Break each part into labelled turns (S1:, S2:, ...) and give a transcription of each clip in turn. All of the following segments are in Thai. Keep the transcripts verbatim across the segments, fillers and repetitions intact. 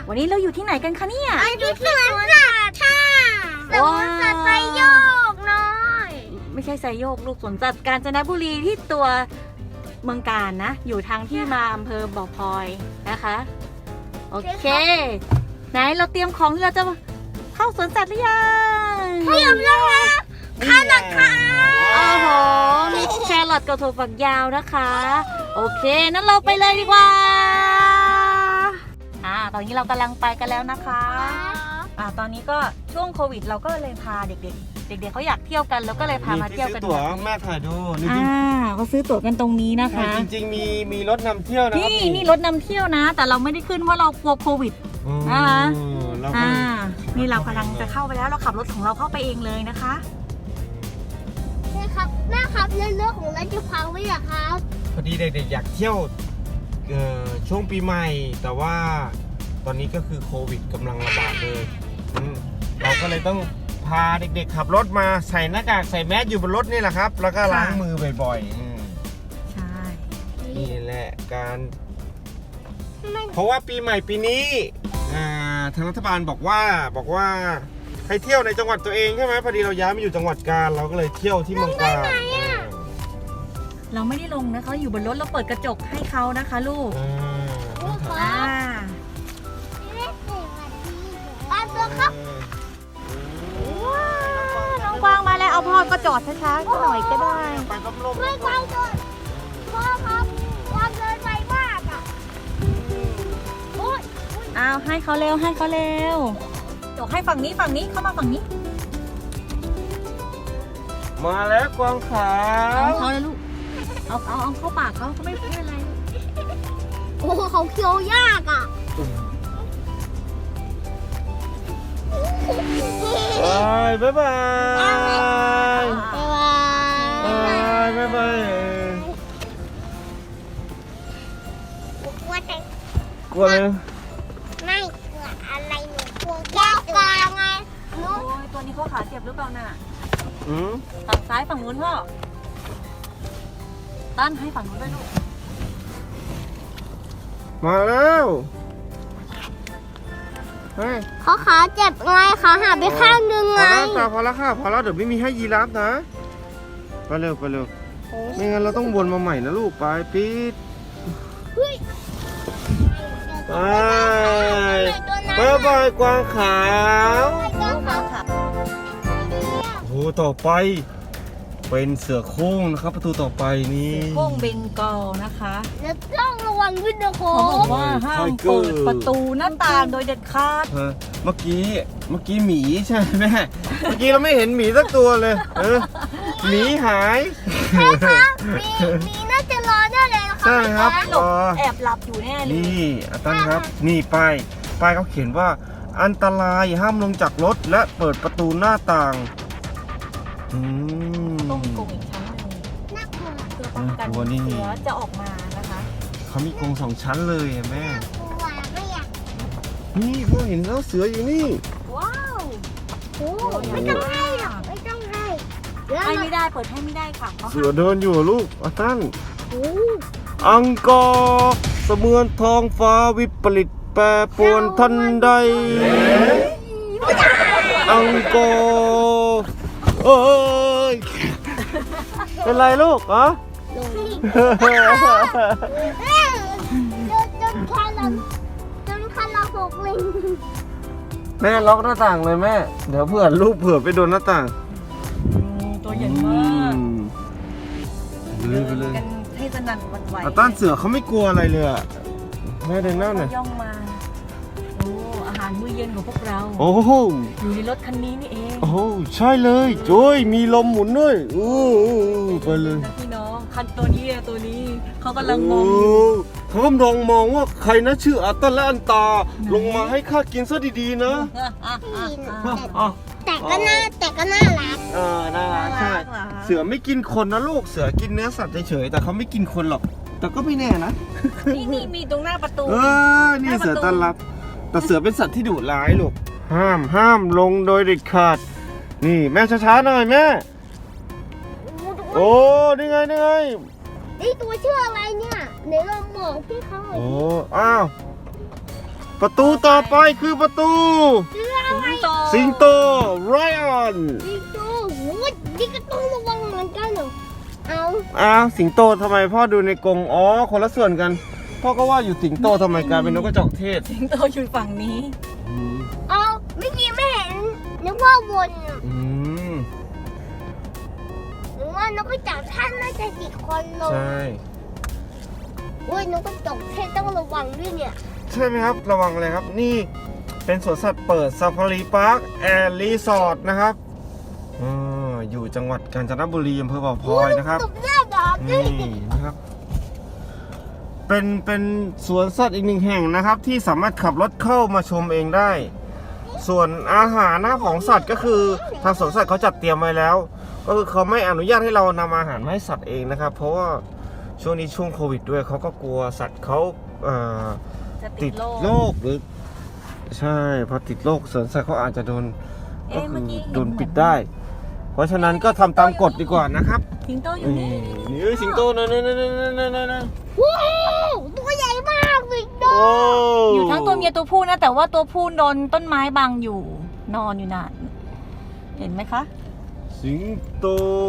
S1: วันนี้เราอยู่ที่ไหนกันคะเนี่ย
S2: อยู่ที่สวนสัตว์ค่ะสวนสัตว์ไซโยกน้อย
S1: ไม่ใช่ไซโยกลูกสวนสัตว์กาญจนบุรีที่ตัวเมืองกาญนะอยู่ทางที่มาอำเภอบ่อพลอยนะคะโอเคไหนเราเตรียมของที่เราจะเข้าสวนสัตว์หรือยัง
S2: เตรียมแล้วค่ะข้าวหนักค่ะ
S1: โอ้โหมีแครอทกับถั่วฝักยาวนะคะโอเคนั้นเราไปเลยดีกว่าอ่าตอนนี้เรากำลังไปกันแล้วนะคะอ่าตอนนี้ก็ช่วงโควิดเราก็เลยพาเด็กๆเด็กๆเขาอยากเที่ยวกันแล้วก็เลยพามาเที่ยวกัน
S3: ตั๋วแม่ถ่ายดู
S1: อ่าเขาซื้อตั๋วกันตรงนี้นะคะ
S3: จริงๆมีมีรถนำเที่ยวนะครับ
S1: นี่นี่รถนำเที่ยวนะแต่เราไม่ได้ขึ้นเพราะเรากลัวโควิดนะคะอ่านี่เรากำลังจะเข้าไปแล้วเราขับรถของเราเข้าไปเองเลยนะคะ
S2: แม่ครับแม่ครับเรื่องของเราจะพังไว้เหรอครับ
S3: พอดีเด็กๆอยากเที่ยวช่วงปีใหม่แต่ว่าตอนนี้ก็คือโควิดกำลังระบาดเลยเราก็เลยต้องพาเด็กๆขับรถมาใส่หน้ากากใส่แมสอยู่บนรถนี่แหละครับแล้วก็ล้างมือบ่อย
S1: ๆใช่
S3: นี่แหละการเพราะว่าปีใหม่ปีนี้ทางรัฐบาลบอกว่าบอกว่าให้เที่ยวในจังหวัดตัวเองใช่ไหมพอดีเราย้ายมาอยู่จังหวัดกาญเราก็เลยเที่ยวที่เมืองกาญ
S1: เราไม่ได้ลงนะเขาอยู่บนรถเราเปิดกระจกให้เขานะคะลูกอ่า
S2: ปลาตัวครับ
S1: น้องกวางมาแล้วเอาพ่อก็จอดช้าๆหน่อยก็ได้
S2: ไม่ไกลจนพ่อครับวางเดินไวมากอ่ะ
S1: อ้าวให้เขาเร็วให้เขาเร็วจกให้ฝั่งนี้ฝั่งนี้เข้ามาฝั่งนี้
S3: มาแล้วกวางขาว
S1: เอาเขาเลยลูกเอาเอาเอาเข้าปากเขาเขาไม่เป็นอะไร
S2: โอ้เขาเคี้ยวยากอ่ะ
S3: บายบายบาย
S2: บายบาย
S3: บายบาย
S2: กลัวแต่
S3: กลัวเลย
S2: ไม่กลัวอะไรหนูกลัวแก้วกลางไง
S1: โอ้ยตัวนี้เขาขาเจ็บหรือเปล่าน่ะ
S3: อืม
S1: ฝั่งซ้ายฝั่งนู้นพ่อตั้นให้ฝั่งนู้นด้วยลูก
S3: มาแล้ว
S2: เขาขาเจ็บไงขาหักไปข้างนึงไง
S3: พอแล้วพอแล้วค่ะพอแล้วเดี๋ยวไม่มีให้ยีราฟนะไปเร็วไปเร็วไม่งั้นเราต้องวนมาใหม่นะลูกไปปิดไปบายบายกวางขาวโอ้ต่อไปเป็นเสือโคร่งนะครับประตูต่อไปนี่
S1: โคร่งเบงกอลนะคะ
S2: แล้วต้องระวังด้วยนะโค้
S1: เขาบอกว่าห้ามเปิดประตูหน้าต่างโดยเด็ดขาด
S3: เมื่อกี้เมื่อกี้หมีใช่ไหมเมื่อกี้เราไม่เห็นหมีสักตัวเลยเออหมีหาย
S2: ใช่ครับมีมีน่าจะรอได้เลย
S3: ใช่ครับ
S1: แอบหลับอยู่แน่เลย
S3: นี่อาจารย์ครับนี่ป้ายป้ายเขาเขียนว่าอันตรายห้ามลงจากรถและเปิดประตูหน้าต่าง
S1: อืมต้องมีกรงอีกชั้นหนึ่ง
S2: น่ากลัว
S1: เพื่อป้องกันเสือจะออกมานะคะ
S3: เขามีกรงสองชั้นเลยแม่
S2: กลัวไม่อยาก
S3: นี่พ่อเห็นแล้วเสืออยู่นี่
S1: ว้าว
S2: โอ้ไม่ต้องให้หรอกไม่ต้องให้
S1: ให้ไม่ได้เปิดให้ไม่ได้ค่ะ
S3: เสือเดินอยู่ลูกอาตั้นอังกอร์เสมือนทองฟ้าวิปริตแปรปรวนทันใดอังกอร์เอ้ยเป็นไรลูกอ๋อ
S2: จนคันเราจนคันเราหกลิง
S3: แม่ล็อกหน้าต่างเลยแม่เดี๋ยวเผื่อลูกเผื่อไปโดนหน้าต่าง
S1: ตัวใหญ่มาก
S3: เดินไปเลย
S1: กันให้สนั่นวันไหว
S3: ต้านเสือเขาไม่กลัวอะไรเลยอ่ะแม่เดินหน้าหน่อย
S1: ย่องมาโอ้อาหารมื้อเย็นของพวกเรา
S3: โอ้โห
S1: อยู่ในรถคันนี้นี่เอง
S3: โอ้ใช่เลยโจ้ยมีลมหมุนด้วยอู้ไปเลย
S1: พี่น้องคันตัวนี้ตัวนี้เขากำลังมอง
S3: เขากำลังมองว่าใครนะชื่ออัตตาและอันตาลงมาให้ข้ากินซะดีๆนะ
S2: แต่ก็น่าแต่ก็น่ารัก
S3: เออน่ารักใช่เสือไม่กินคนนะลูกเสือกินเนื้อสัตว์เฉยๆแต่เขาไม่กินคนหรอกแต่ก็ไม่แน่นะ
S1: นี่นี่มีตรงหน้าประตู
S3: เออนี่เสือต้อนรับแต่เสือเป็นสัตว์ที่ดุร้ายลูกห้ามห้ามลงโดยเด็ดขาดนี่แม่ช้าๆหน่อยแม่โอ้นี่ไงนี่ไง
S2: นี่ตัวชื่ออะไรเนี่ยไหนลองบอกพี่เขาหน่อย
S3: โอ้อ้าวประตูต่อไปคือประตู
S1: สิงโต
S3: สิงโตไรออน
S2: สิงโตโอ้ยนี่ก็ต้องระวังเหมือนกันเหรอเอา
S3: อ้าวสิงโตทำไมพ่อดูในกรงอ๋อคนละส่วนกันพ่อก็ว่าอยู่สิงโตทำไมกลายเป็นนกกระจอกเทศ
S1: สิงโตอยู่ฝั่งนี้
S3: อืม
S2: เอาเมื่อกี้ไม่เห็นนึกว่าวนอะ
S3: อืม
S2: หรือว่านกกระจอกท่านน่าจะติดคนลง
S3: ใช่
S2: โอ้ยนกกระจอกเทศต้องระวังด้วยเนี่ย
S3: ใช่ไหมครับระวังเลยครับนี่เป็นสวนสัตว์เปิดซาฟารีพาร์คแอนด์รีสอร์ทนะครับอ่าอยู่จังหวัดกาญจนบุรีอำเภอบ่อพลอยนะครับ
S2: ตบหน้าดอกด้ว
S3: นี่
S2: ย
S3: นะครับ เป็นเป็นสวนสัตว์อีกหนึ่งแห่งนะครับ ที่สามารถขับรถเข้ามาชมเองได้ ส่วนอาหารนะของสัตว์ก็คือทางสวนสัตว์เขาจัดเตรียมไว้แล้ว ก็คือเขาไม่อนุญาตให้เรานำอาหารมาให้สัตว์เองนะครับ เพราะว่าช่วงนี้ช่วงโควิดด้วยเขาก็กลัวสัตว์เขาเอ่อ
S1: จะ
S3: ติ
S1: ติ
S3: ด
S1: ดโรค
S3: โรคหรือ ใช่พอติดโรคสวนสัตว์เขาอาจจะโดนก็
S1: เอ๊ะเมื่
S3: คือ อ
S1: กี้เห็น
S3: โดนปิดได้ เพราะฉะนั้นก็ทำตามกฎดีกว่านะครับ
S1: สิงโตอยู่
S3: นี่
S1: นี่
S3: นี่เอ้ยสิงโตนะนะนะนะนะนะนะ
S2: ว้าวตัวใหญ่มากสิงโต
S3: โอ้
S1: อยู่ทั้งตัวเมียตัวผู้นะ แต่ว่าตัวผู้โดนต้นไม้บังอยู่ นอนอยู่น่ะเห็นไหมคะ
S3: สิงโต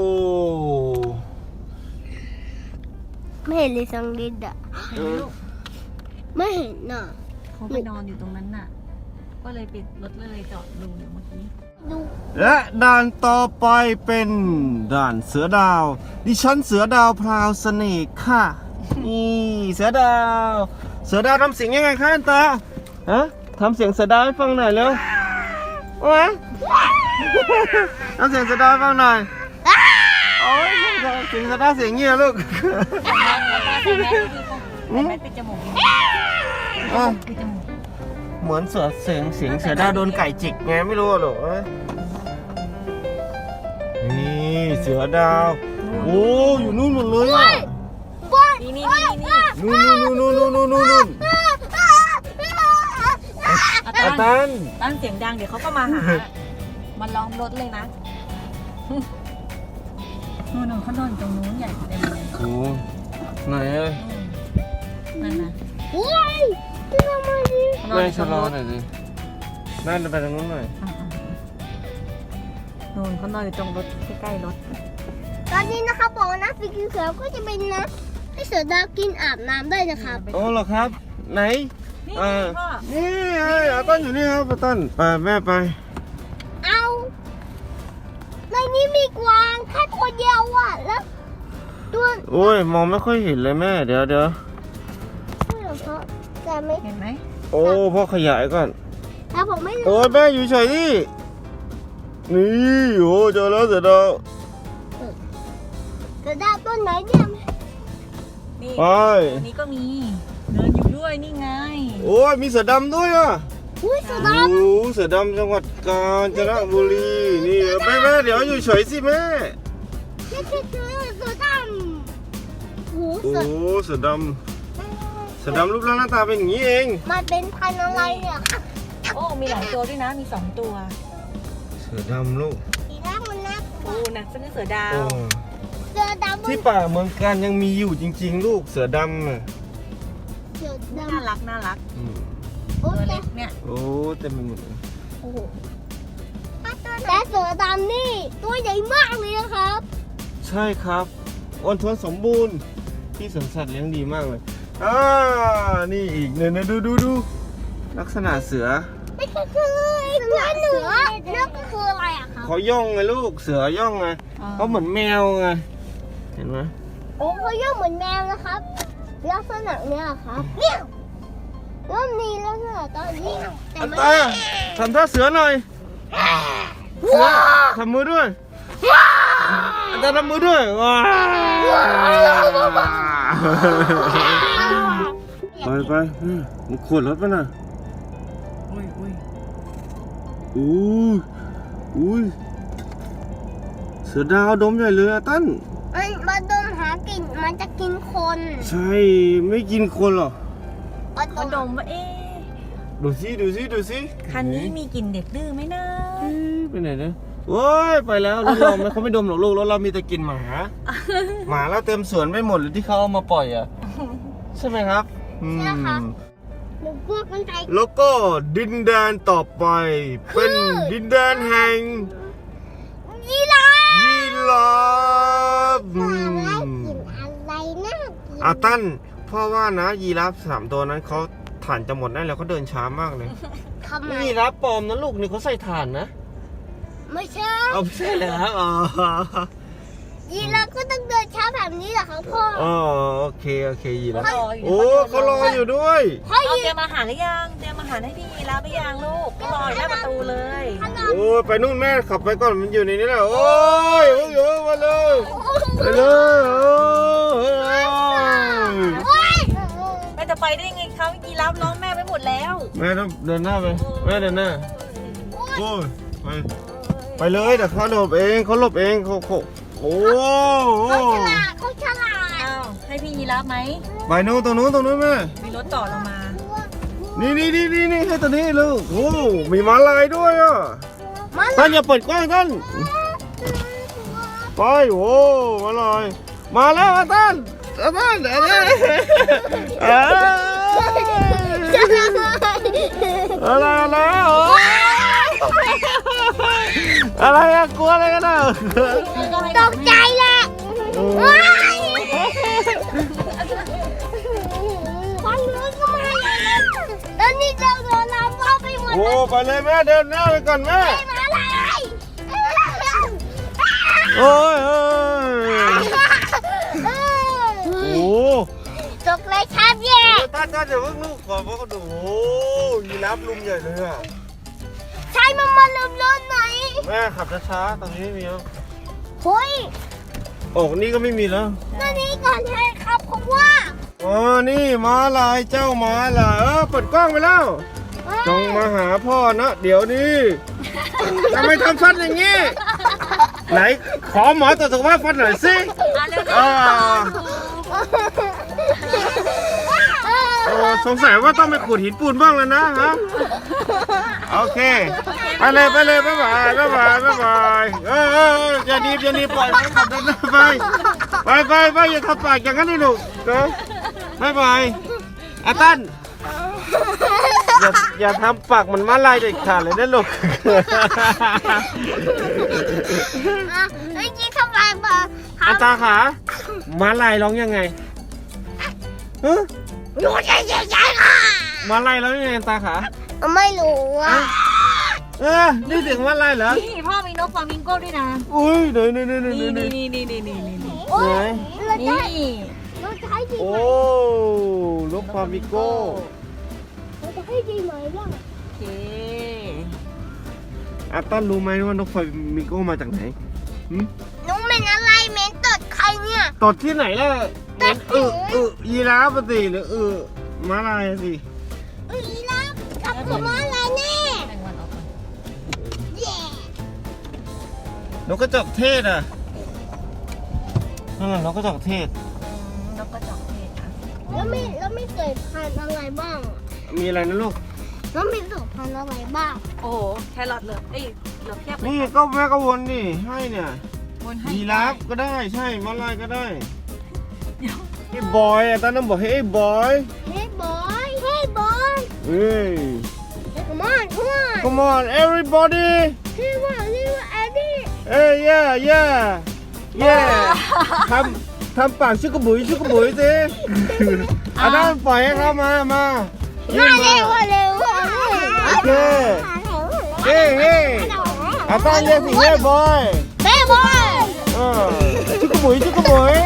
S2: ไม่เห็นเลยสังลิดอะ
S1: เห็นไหมลูก
S2: ไม่เห็นน่ะ
S1: เขาไปนอนอยู่ตรงนั้นน่ะ ก็เลยปิดรถเลยจอดดูอยู่เมื่อกี้
S2: ดู
S3: และด่านต่อไปเป็นด่านเสือดาว ดิฉันเสือดาวพราวเสน่ห์ค่ะนี่เสือดาว เสือดาวทำเสียงยังไงคะอันตาฮะทำเสียงเสือดาวให้ฟังหน่อยเร็วโอ้ยทำเสียงเสือดาวให้ฟังหน่อยโอ้ยเสียงเสือดาวเสียงเงี้ยลูก
S1: ใส่แมสปิดจมูก
S3: อ่ะ
S1: ปิดจมูก
S3: เหมือนเสือเสียงเสียงเสือดาวโดนไก่จิกไงไม่รู้หรอกเอ้ยนี่เสือดาว โอ้อยู่นู่นหมดเลยอ่ะ
S1: นี่นี่นี่นี่
S3: นู่นนู่นนู่นนู่นนู่นนู่น
S1: อา
S3: อา
S1: จารย์
S3: ตัน
S1: ตั้งเสียงดังเดี๋ยวเขาก็มาหา มันล้อมรถเลยนะนู่นนเขานอนอยู่ตรงนู้นใหญ่เต็มเลย
S3: โอ้ไหนเอ้ย
S1: นั่นนะ
S2: โอ้ยทำไมดิ
S1: เขานอน
S3: ไม่
S1: อยู่ต
S3: ชะ
S1: รง
S3: ลอ
S1: รถ
S3: หน่อยสินั่นไปทางนู้นหน่อย
S1: อ่ะๆนู่นเขานอนอยู่ตรงรถใกล้ๆรถ
S2: ตอนนี้นะครับบอกว่านะสีเขียวก็จะเป็นนะให้เสือดาวกินอาบน้ำได้นะครับ
S3: โอ้เหรอครับ ไหน
S1: นี่
S3: อ่า
S1: พ่อ
S3: นี่ไอ้อาตันอยู่นี่ครับอาตันไปแม่ไป
S2: เอาในนี้มีกวางแค่ตัวเดียวอ่ะแล้วตัว
S3: โอ้ยมองไม่ค่อยเห็นเลยแม่เดี๋ยวเดี๋ยว
S2: ไม่หรอกเพราะแต่ไม่
S1: เห็นไหม
S3: โอ้พ่อขยายก่อน
S2: แต่ผมไม่รู้
S3: โอ้ยแม่อยู่เฉยดินี่โอ้เจอแล้วเสือดาว
S2: เสือดาวต้นไหนเนี่ย
S1: นี่
S3: ไป
S1: ตัวนี้ก็มีเดินอยู่ด้วยนี่ไง
S3: โอ้ยมีเสือดำด้วยอ่ะ
S2: อุ้ยเสือด
S3: โอ้เสือดำจังหวัดกาญจนบุรีนี่แม่แม่เดี๋ยวอยู่เฉยสิแม่
S2: ำนี่คือเสือเสือดำโอ้
S3: โอ้
S2: เสือ
S3: เสือดำเสือดำรูปร่างหน้าตาเป็นอย่างนี้เอง
S2: มันเป็นพันธุ์อะไรเนี่ยครับ
S1: โอ้มีหลายตัวด้วยนะมีสองตัว
S3: เสือดำลูก
S2: สีแรกมันนะ
S1: โอ้นะเป็นเสือดา
S3: โอ้
S1: ว
S2: เสือดำ
S3: ที่ป่าเมืองกาญยังมีอยู่จริง ๆ ลูกเสือดำอ่ะ
S2: เสือด
S1: น่ารักน่ารัก
S3: อืม
S2: ำโอ้
S1: ตัว
S2: แต่
S1: เล็กเนี่ย
S3: โอ้เต็มไปหมดเลย
S1: โอ้โห
S2: แต่เสือดำนี่ตัวใหญ่มากเลยนะครับ
S3: ใช่ครับอ้วนท้วนสมบูรณ์ที่สวนสัตว์เลี้ยงดีมากเลยอ่านี่อีกเนี่ยนะดูดูดูลักษณะเสือ
S2: ไม่ใช่คือตัวหนูนั่นก็คืออะไรอะครับ
S3: เขาย่องไงลูกเสือย่องไงเขาเหมือนแมวไงเห็นไหม
S2: โอ้เขาย่อเหมือนแมวนะครับลักษณะเนี้ยครับเนี่ยเริ่มมีลักษณะตอนนี้แต่
S3: อัน
S2: ไม่
S3: ตาทำท่าเสือหน่อยเสือทำมือด้วยอันตาทำมือด้วยว้าวไปไปอืมมันขวดรถป่ะน่ะ
S1: อุ้ยอุ้ย
S3: อู้อุ้ยเสือดาวดมใหญ่เลยอะตั้น
S2: มันมาดมหากลิ่นมันจะกินคน
S3: ใช่ไม่กินคนหรอ
S2: มัน
S1: เขาดมว่าเอ๊ะ
S3: ดูสิดูสิดูสิ
S1: คันนี้มีกลิ่นเด็กดื้อไหมนะ
S3: เอ๊ะไปไหนเนี่ยโอ้ยไปแล้วรถเราไม่เขาไม่ดมหรอกลูกรถเรามีแต่กินหมา หมาแล้วเต็มสวนไปหมดเลยที่เขาเอามาปล่อยอ่ะ ใช่ไหมครับอืม
S2: หนูกลัวคนไทย
S3: แล้วก็ดินแดนต่อไป เป็นดินแดนแห่ง
S2: ยีราฟ
S3: ยีราฟอื
S2: ว่าแล้ว
S3: ม
S2: กินอะไรน่ากิน
S3: อาตั้นพ่อว่านะยีราฟสามตัวนั้นเขาถ่านจะหมดได้แล้วเขาเดินช้ามากเลย
S2: ทำไม
S3: นี่ยีราฟปลอมนะลูกนี่เขาใส่ถ่านนะ
S2: ไม่ใช่
S3: เอาไม่ใช่แล้วอ๋อ
S2: ยีราฟก็ต้องเดินช้าแบบนี้เหรอครับพ่อ
S3: อ๋อโอเคโอเคยีราฟ
S1: เขารออยู่
S3: โอ้เขารออยู่ด้วย
S2: พ่อ
S1: เอา
S2: ยี
S1: เตรียมอาหารหรือยังเตรียมอาหารให้พี่ยีราฟหรือยังลูกก็รออยู่หน้าประตูเลย
S2: ราฟ
S3: โอ้ยไปนู่นแม่ขับไปก่อนมันอยู่ในนี้แหละโอ้ยโอ้ยโอ้ยมาเลยไปเลยโอ้ย
S2: โอ๊ย
S1: แม่จะไปได้ยังไงเขายีราฟร้องแม่ไปหมดแล้ว
S3: แม่ต้องเดินหน้าไปแม่เดินหน้าโอ้ยไปไปเลยเดี๋ยวเขาหลบเองเขาหลบเองเขาเขาโอ้โห
S2: เขาฉลาดเขาฉลาด
S1: อ้าวให้พี่ยีราฟไหม
S3: ไปนู้นตรงนู้นตรงนู้นแม่
S1: มีรถจอดลงมา
S3: นี่นี่นี่นี่นี่ให้ตัวนี้ลูกโอ้มีม้าลายด้วยอ่ะ
S2: มัน
S3: ท่านอย่าเปิดกว้างท่านไปโอ้ม้าลายมาแล้วอ่ะท่านอ่ะท่านอ่ะท่านอ่ะอะไรอะไรโอ้อะไรอะกลัวอะไรกันอ่ะ
S2: ตกใจแหละว้ายฟังนู้นก็มาเลยนะแล้วนี่เราโดนน้ำเข้าไปหมด
S3: โอ้
S2: เลย
S3: ไปเลยแม่เดินหน้าไปก่อนแม่
S2: มาอะไร
S3: โอ้ยโอ้ยโอ้
S2: ตกเลยครับแย่
S3: ท่านท่านอย่าเพิ่งลูกขอพ่อเขาดูโอ้ยีราฟลุมใหญ่เลยอ่ะ
S2: ใช้มันมาลืมรถไหน
S3: แม่ขับช้าๆตรงนี้ไม่มีแล้ว
S2: เฮ้ย
S3: โอ้นี่ก็ไม่มีแล้ว
S2: นั่นนี่ก่อนให้ครับเพราะว่า
S3: อ๋อนี่ม้าลายเจ้าม้าลายเออเปิดกล้องไปแล้วจงมาหาพ่อนะเดี๋ยวนี้ทำไมทำฟันอย่างนี้ ไหนขอหมอตรวจสุขภาพฟันหน่อยสิ
S1: อ่ะเร็ว
S3: อ่าโอ้สงสัยว่าต้องไปขูดหินปูนบ้างแล้วนะฮะโอเคไปเลยไปเลยบ๊ายบายบ๊ายบายบ๊ายบายเออเออเอออย่าหนีบอย่าหนีบปล่อยไปขับเดินหน้าไปไปไปไปอย่าทำปากอย่างนั้นดิลูกเด้อบ๊ายบายอาตันอย่าอย่าทำปากเหมันม้าลายเด็ดขาดเลยนะลูก
S2: เมื่อกี้ทำไมมาค
S3: อา
S2: รับ
S3: ตาขาม้าลายร้องยังไงฮะ
S2: อยู่ใหญ่ใหญ่ใหญ่ค่ะ
S3: ม้าลายร้องยังไงตาขา
S2: ไม่รู้อ่ะ
S3: เออนี่ถึงม้าลายเหรอ
S1: นี่พ่อมีนกฟลามิงโก้ด้วยนะ
S3: อุ้ยเดี๋ยวนี่นี่นี่
S1: นี่
S3: นี่
S1: นี่นี่นี่นี่นี่นี่
S2: โอ้ยเรา
S1: นี่
S2: ใช้เราใช้ดี
S3: โอ้
S2: ไหม
S3: ลูกฟามิโก้
S2: เราจะให้ดีไหมล่ะ
S1: โอเค
S3: อาตันรู้ไหมว่านกฟามิโก้มาจากไหนหึ
S2: น้องเป็นอะไรเม้นตดใครเนี่ย
S3: ตดที่ไหนล่ะเหม็นอึอึยีราฟอะสิหรืออึม้าลายอะสิ
S2: อุ้ยแล้วกับขโมยอะไรแน่
S1: แบ่งวันออกก่อน
S2: แย่
S3: นกกระจอกเทศอ่ะนั่นแหละนกกระจอกเทศ
S1: อืมนกกระจอกเทศนะ
S2: แล้วไม่แล้วไม่เกิดพันธุ์อะไรบ้าง
S3: มีอะไรนะลูก
S2: แล้วมีสุพันธุ์อะไรบ้าง
S1: โอ้โหแครอทเหลือเอ้ยเหลือแค่
S3: นี่ก็แม่ก็วนนี่ให้เนี่ย
S1: บนให้
S3: ยีราฟก็ได้ใช่ม้าลายก็ได้ไอ้บอยอ่ะตอนนั้นบอกให้ไอ้บอย
S2: เฮ้ยบอยเฮ้ยบอย
S3: เฮ้ย
S2: come on come on
S3: come on everybody
S2: ชื่อว่าชื่อว่าแอดดี้
S3: เอ้ย yeah yeah yeah ทำทำปากชุกกระบุยชุกกระบุยสิอันนั้นปล่อยให้เขามามายื่
S2: มาน เร็ว
S3: มา
S2: เร็ว
S3: โอเคเฮ้เฮ้อาตาเรียกสิเฮ้บอย
S2: เฮ้ยบอย
S3: เออชุกกระบุยชุกกระบุย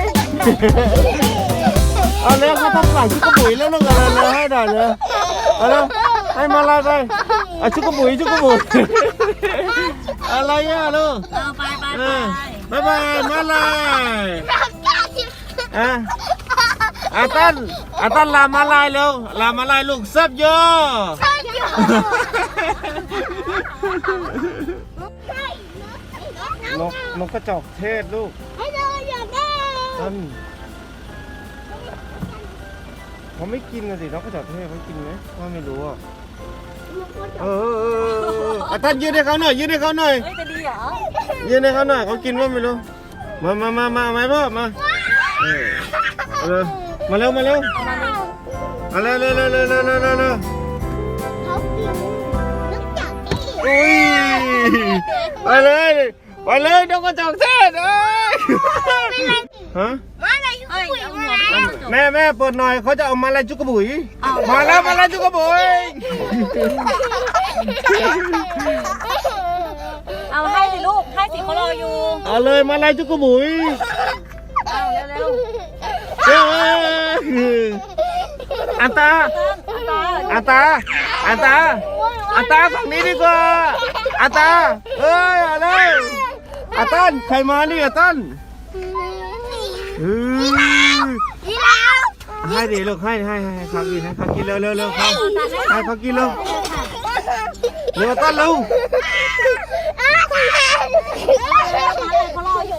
S3: เอาแล้วเขาทำปากชุกกระบุยแล้วลูกอะไรเลยให้ได้เลยเอาแล้วให้มาลายไปอ่ะชุกกระบุยชุกกระบุยอะไรอ่ะลูก
S1: เอาไปไป
S3: เอ
S1: ไป
S3: อบ๊ายบายมาลาย
S2: รับจ้าสิ
S3: อ่ะอาตันอาตันลามาลายเร็วลามาลายลูกเซับโย
S2: ใช่อยู่
S3: นกนกกระจอกเทศลูก
S2: ให้เราอยากได้
S3: ตันเขาไม่กินนะสินกกระจอกเทศเขากินไหมว่าไม่รู้อ่ะเออเออเออเอออาตันยืนให้เขาหน่อยยืนให้เขาหน่อย
S1: เฮ้ยจะดีเหรอ
S3: ยืนให้เขาหน่อยเขากินว่าไม่รู้มามามามาไหมพ่อมาเออเอาเลยมาเร็วมาเร็ว
S1: เอามาเลย
S3: มเอาเร็วเร็วเร็วเร็วเร็วเร็วเร็วเร็ว
S2: เขากินนึกจากที่
S3: อุ้ยไปเลยไปเลยนกกระจอกเทศเอ้ยฮะ
S2: มาอะไรทุก
S1: เอ้ย
S2: ปุ๋ย
S1: เอา
S2: มา
S1: หัวไป
S2: แล้ว
S1: จบ
S3: แม่แม่เปิดหน่อยเขาจะเอามาอะไรจุกกระบุย
S1: เอา
S3: มาแล้วมาแล้วจุกกระบุย
S1: เอาให้สิลูกให้สิเขารออยู่
S3: เอาเลยมาอะไรจุกกระบุย
S1: เอาเร็ว
S3: เย้อันตา
S1: ๆตา
S3: อันตาอันตาอันตาฝั่งนี้ดีกว่าอันตาเอ้ยเอาเลยอันตันใครมานี่อันตันเฮ้ย
S2: ยีราฟ
S3: ให้ดิลูกให้ให้ให้ให้เขากินให้เขากินเร็วเร็วเร็วเขาให้เขากินเร็วเร็วต้นเร็ว
S2: อ้าวคุณแม่
S1: เขารออยู่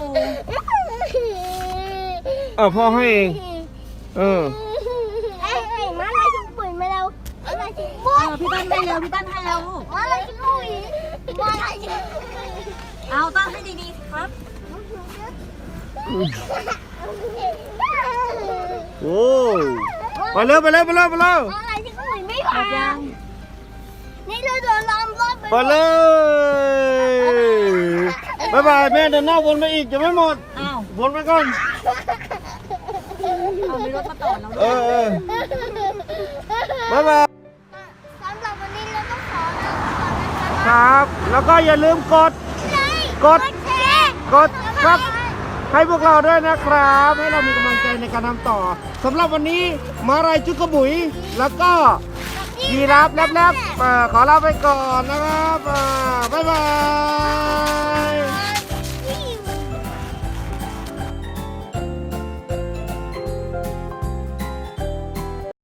S3: เออพ่อให้เองเออ
S2: เอ้ยเอ้ยมาอะไรทุกปุ๋ยมาแล้วอะไรทุก
S1: เอ
S2: ปุ๋ย
S1: อพี่ตั้นให้เร็วพี่ตั้นให้เร็วลูก
S2: มาอะไรทุกปุ๋ยมาอะไรทุกปุ๋ย
S1: เอาตั้นให้ดีๆครับ
S3: โอ้ไปเร็วไปเร็วไปเร็วไปเร็ว
S2: อะไรทุกปุ๋ยไม่
S1: หม
S2: ผ่า
S1: ดยัง
S2: นี่เราโดนล้อมรอบไป
S3: ไปเลยบ๊ายบายแม่เดินหน้าวนไปอีกจะไม่หมด
S1: อ้าว
S3: วนไปก่อน
S1: เอามีรถมาต่อเรา
S3: เออเออบ๊ายบาย
S2: สำหรับวันนี้เราต้องขอลาไปก่อนนะคะ
S3: ครับ แล้วก็อย่าลืมกด กด
S2: แชร์
S3: กดครับให้พวกเราด้วยนะครับ ให้เรามีกำลังใจในการทำต่อสำหรับวันนี้มาลายจุกกระบุย แล้วก็ยีราฟแลบๆเอ่อขอลาไปก่อนนะครับอ่าบ๊ายบาย